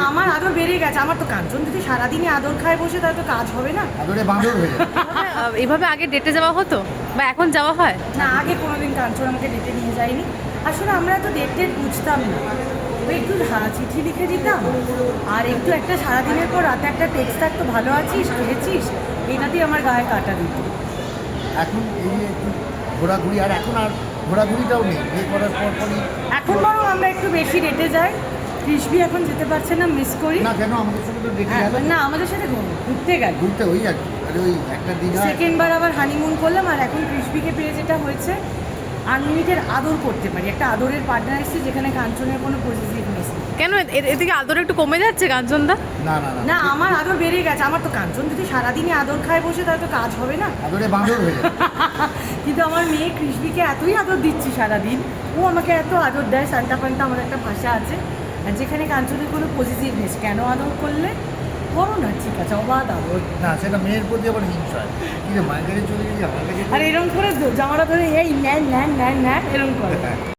আমার আদর বেড়ে গেছে। আমার তো কাঞ্চন যদি সারাদিনই আদর খায় বসে তাহলে তো কাজ হবে না। আদরে বাঁদর হয়ে যাবে। এভাবে আগে ডেটে যাওয়া হতো বা এখন যাওয়া হয়? না, আগে কোনোদিন কাঞ্চন আমাকে ডেটে নিয়ে যায়নি। আসলে আমরা তো ডেট বুঝতাম না, ওই একটু চিঠি লিখে দিতাম আর একটু একটা সারাদিনের পর রাতে একটা টেক্সট থাকতো, ভালো আছিস, খেয়েছিস, এইটাতেই আমার গায়ে কাটা দিত। এখন এই যে একটু ঘোরাঘুরি, আর এখন আর ঘোরাঘুরিটাও নেই বিয়ে করার পরই। এখন বরং আমরা একটু বেশি ডেটে যাই। কৃষ্ণবি এখন যেতে পারছে না, মিস করি। না কেন, আমাদের সঙ্গে তো দেখে হ্যাঁ, গেল না আমাদের সাথে ঘুরতে গেল, ঘুরতে, ওই আর কি, আরে ওই একটা দীঘা। সেকেন্ডবার আবার হানিমুন করলাম। আর এখন কৃষ্ণবিকে পেয়ে যেটা হয়েছে, আনলিমিটেড আদর করতে পারি, একটা আদরের পার্টনার এসেছে যেখানে কাঞ্চনের কোনো পজিটিভনেস নেই। কেন এদিকে আদর একটু কমে যাচ্ছে কাঞ্চনদা? না না না, না, আমার আদর বেড়ে গেছে। আমার তো কাঞ্চন যদি সারাদিনই আদর খায় বসে তাহলে তো কাজ হবে না। আদরে বাঁদর হয়ে যাবে। কিন্তু আমার মেয়ে কৃষ্ণবিকে এতই আদর দিচ্ছি সারাদিন, ও আমাকে এত আদর দেয়, সান্তা ফান্তা আমার একটা ভাষা আছে, আর যেখানে কাঞ্চনের কোনো পজিটিভনেস, কেন আদর করলে করো না, ঠিক আছে, অবাধ আদর। না, সেটা মেয়ের প্রতি আবার হিংসা হয়। কি রে, মায়ের কাছে চলে গেলি, আমার কাছে আর এরকম করে জামাটা ধরে এই নেন নেন নেন নেন এরকম করে।